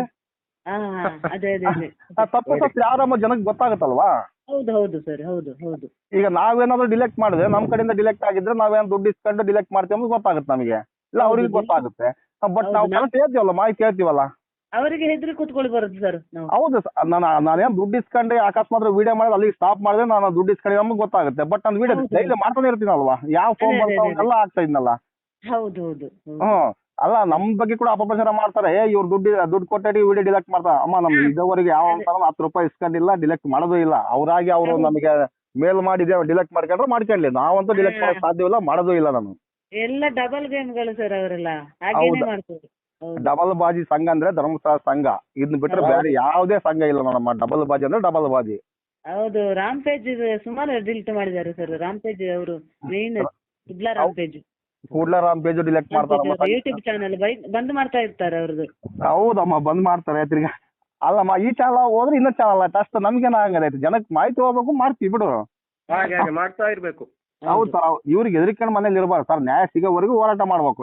A: ತಪ್ಪು ಯಾರಮ್ಮ ಜನಕ್ಕೆ ಗೊತ್ತಾಗುತ್ತಲ್ವಾ?
C: ಹೌದು ಹೌದು ಸರ್, ಹೌದು ಹೌದು.
A: ಈಗ ನಾವೇನಾದ್ರು ಡಿಲೆಕ್ಟ್ ಮಾಡಿದ್ರೆ, ನಮ್ ಕಡೆಯಿಂದ ಡಿಲೆಕ್ಟ್ ಆಗಿದ್ರೆ ನಾವೇನು ದುಡ್ಡು ಇಸ್ಕೊಂಡು ಡಿಲೆಕ್ಟ್ ಮಾಡ್ತೀವಿ ಅಂತ ಗೊತ್ತಾಗುತ್ತೆ ನಮಗೆ, ಇಲ್ಲ ಅವ್ರಿಗೆ ಗೊತ್ತಾಗುತ್ತೆ. ಬಟ್ ನಾವು ಕರೆಕ್ಟ್ ಹೇಳ್ತೀವಲ್ಲ, ಮಾಹಿತಿ ಹೇಳ್ತೀವಲ್ಲ,
C: ಅವರಿಗೆ ಹೆದರಿ ಕೂತ್ಕೊಳ್ಳಿ ಬರುತ್ತೆ ಸರ್.
A: ಹೌದು, ನಾನೇನು ದುಡ್ಡು ಇಸ್ಕೊಂಡೆ ಅಕಸ್ಮಾತ್ ವಿಡಿಯೋ ಮಾಡಿದ್ರೆ ಅಲ್ಲಿಗೆ ಸ್ಟಾಪ್ ಮಾಡಿದ್ರೆ ನಾನು ದುಡ್ಡು ಇಸ್ಕೊಂಡೆ ನಮ್ಗೆ ಗೊತ್ತಾಗುತ್ತೆ. ಬಟ್ ನಾನು ವಿಡಿಯೋ ಡೈಲಿ ಮಾಡ್ತಾನೆ ಇರ್ತೀನಲ್ವಾ, ಯಾವ ಫೋನ್ ಬರ್ತಾವ ಎಲ್ಲ ಆಗ್ತಾ ಇದ್ನಲ್ಲ.
C: ಹೌದು ಹೌದು.
A: ಅಲ್ಲ, ನಮ್ ಬಗ್ಗೆ ಕೂಡ ಅಪಪ್ರಚಾರ ಮಾಡ್ತಾರೆ. ಇವ್ರು ದುಡ್ಡು ಕೊಟ್ಟಿ ವಿಡಿಯೋ ಡಿಲೆಕ್ಟ್ ಮಾಡ್ತಾರೆ. ಅಮ್ಮ ನಮ್ಗೆ ಇದುವರೆಗೆ ಯಾವ 10 ರೂಪಾಯಿ ಇಸ್ಕೊಂಡಿಲ್ಲ, ಡಿಲೆಕ್ಟ್ ಮಾಡೋದು ಇಲ್ಲ. ಅವರಾಗಿ ಅವರು ನಮಗೆ ಮೇಲ್ ಮಾಡಿದೆ ಡಿಲೆಕ್ಟ್ ಮಾಡ್ಕೊಂಡ್ಲಿ, ನಾವಂತೂ ಡಿಲೆಕ್ಟ್ ಮಾಡಕ್ ಸಾಧ್ಯವಿಲ್ಲ, ಮಾಡೋದು ಇಲ್ಲ. ನಾನು
C: ಎಲ್ಲ ಡಬಲ್ ಗೇಮ್ಗಳು ಸರ್, ಅವರೆಲ್ಲ ಹಾಗೇನೆ ಮಾಡ್ತಾರೆ.
A: ಡಬಲ್ ಬಾಜಿ ಸಂಘ ಅಂದ್ರೆ ಧರ್ಮಸ್ಥಳ ಸಂಘ, ಇದನ್ನ ಬಿಟ್ರೆ ಬೇರೆ ಯಾವುದೇ ಸಂಘ ಇಲ್ಲ ನೋಡಮ್ಮ. ಡಬಲ್ ಬಾಜಿ ಅಂದ್ರೆ ಡಬಲ್ ಬಾಜಿ.
C: ಹೌದು, ರಾಮ್ ಪೇಜ್ ಸುಮಾರು ಡಿಲೀಟ್ ಮಾಡಿದ್ದಾರೆ ಸರ್. ರಾಮ್ ಪೇಜ್ ಅವರು ಮೇನ್ ರಾಮ್ ಪೇಜ್
A: ಕೂಡ್ಲರಾಮ್ ಪೇಜ್ ಡಿಲೆಕ್ಟ್ ಮಾಡ್ತಾರೆ.
C: ಯೂಟ್ಯೂಬ್ ಚಾನಲ್ ಬಂದ್ ಮಾಡ್ತಾ ಇರ್ತಾರೆ ಅವ್ರದ್ದು.
A: ಹೌದಮ್ಮ, ಬಂದ್ ಮಾಡ್ತಾರೆ. ತಿರ್ಗಾ ಅಲ್ಲಮ್ಮ, ಈ ಚಾನಲ್ ಹೋದ್ರೆ ಇನ್ನೊಂದು ಚಾನಲ್ ಆಯ್ತು ಅಷ್ಟು. ನಮ್ಗೇನ ಆಗೈತೆ, ಜನಕ್ಕೆ ಮಾಹಿತಿ ಹೋಗ್ಬೇಕು, ಮಾಡ್ತೀವಿ ಬಿಡು,
B: ಮಾಡ್ತಾ ಇರ್ಬೇಕು.
A: ಹೌದು ಸರ್, ಇವ್ರಿಗೆ ಹೆದರಿಕೊಂಡು ಮನೇಲಿ ಇರಬಾರ್ದು ಸರ್. ನ್ಯಾಯ ಸಿಗೋವರೆಗೂ ಹೋರಾಟ ಮಾಡ್ಬೇಕು.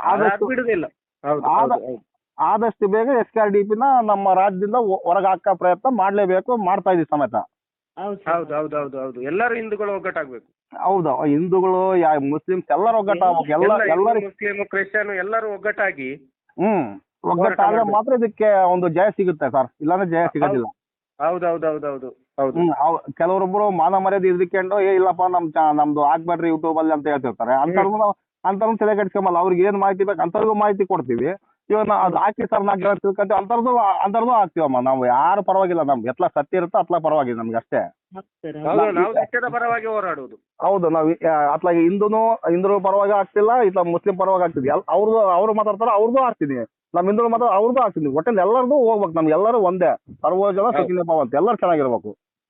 A: ಆದಷ್ಟು ಬೇಗ SKRDP ನ ನಮ್ಮ ರಾಜ್ಯದಿಂದ ಹೊರಗೆ ಹಾಕೋ ಪ್ರಯತ್ನ ಮಾಡ್ಲೇಬೇಕು, ಮಾಡ್ತಾ ಇದೀವಿ ಸಮೇತ.
B: ಹೌದು, ಎಲ್ಲರೂ ಹಿಂದೂಗಳು ಒಗ್ಗಟ್ಟಾಗ್ಬೇಕು.
A: ಹೌದು, ಹಿಂದೂಗಳು ಮುಸ್ಲಿಮ್ಸ್ ಎಲ್ಲರೂ ಒಗ್ಗಟ್ಟಾಗ್ಬೇಕು. ಎಲ್ಲರೂ
B: ಮುಸ್ಲಿಂ ಕ್ರಿಶ್ಚಿಯನ್ ಎಲ್ಲರೂ ಒಗ್ಗಟ್ಟಾಗಿ
A: ಒಗ್ಗಟ್ಟಾದ್ರೆ ಮಾತ್ರ ಇದಕ್ಕೆ ಒಂದು ಜಯ ಸಿಗುತ್ತೆ ಸರ್, ಇಲ್ಲಾಂದ್ರೆ ಜಯ ಸಿಗೋದಿಲ್ಲ.
B: ಹೌದು.
A: ಕೆಲವರೊಬ್ರು ಮಾನ ಮರ್ಯಾದೆ ಇದ್ಕೊಂಡು ಇಲ್ಲಪ್ಪ ನಮ್ದು ಹಾಕ್ಬೇಡ್ರಿ ಯೂಟ್ಯೂಬ್ ಅಲ್ಲಿ ಅಂತ ಹೇಳ್ತಿರ್ತಾರೆ. ಅಂತವ್ರು ತಲೆ ಕೆಡ್ಸ್ಕೊಂಬಲ್ಲ. ಅವ್ರಿಗೆ ಏನ್ ಮಾಹಿತಿ ಬೇಕು ಅಂತವ್ರಿಗೂ ಮಾಹಿತಿ ಕೊಡ್ತೀವಿ. ಇವಾಗ ಅದು ಹಾಕಿ ಸರ್ ನಾ ತಿಳ್ಕೊಂತೀವಿ, ಅಂತರ್ದು ಹಾಕ್ತಿವಮ್ಮ. ನಾವು ಯಾರು ಪರವಾಗಿಲ್ಲ, ನಮ್ಗೆ ಎತ್ಲ ಸತ್ಯ ಇರುತ್ತೋ ಅತ್ಲ ಪರವಾಗಿಲ್ಲ ನಮ್ಗೆ ಅಷ್ಟೇ.
B: ಪರವಾಗಿ ಹೋರಾಡುವುದು.
A: ಹೌದು, ನಾವು ಅತ್ಲಾಗಿ ಹಿಂದೂ ಪರವಾಗಿ ಆಗ್ತಿಲ್ಲ, ಇತ್ಲ ಮುಸ್ಲಿಂ ಪರವಾಗಿ ಆಗ್ತಿದ್ವಿ. ಅವ್ರು ಮಾತಾಡ್ತಾರೆ, ಅವ್ರದ್ದು ಆಗ್ತೀನಿ. ನಮ್ ಹಿಂದೂ ಮಾತ್ರ ಅವ್ರದ್ದು ಆಗ್ತೀನಿ. ಒಟ್ಟಲ್ಲಿ ಎಲ್ಲರದು ಹೋಗ್ಬೇಕು, ನಮ್ಗೆ ಎಲ್ಲರೂ ಒಂದೇ. ಸರ್ವ ಜನ ಸುಖಿನೋ ಭವಂತು, ಎಲ್ಲರೂ ಚೆನ್ನಾಗಿರ್ಬೇಕು.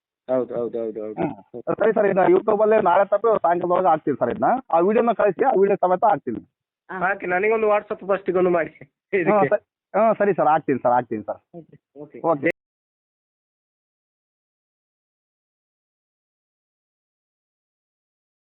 A: ಸರಿ ಸರ್, ಇದನ್ನ ಯೂಟ್ಯೂಬ್ ಅಲ್ಲಿ ನಾಳೆ ತಪ್ಪಿ ಸಾಯಂಕಾಲದೊಳಗೆ ಹಾಕ್ತೀನಿ ಸರ್. ಇದನ್ನ ಆ ವಿಡಿಯೋನ ಕಳಿಸಿ, ಆ ವಿಡಿಯೋ ಸಮೇತ ಹಾಕ್ತೀನಿ.
B: ನನಗೊಂದು ವಾಟ್ಸಪ್ ಫಸ್ಟಿಗೆ ಒಂದು ಮಾಡಿ.
A: ಸರಿ ಸರ್, ಹಾಕ್ತೀನಿ ಸರ್. ಓಕೆ.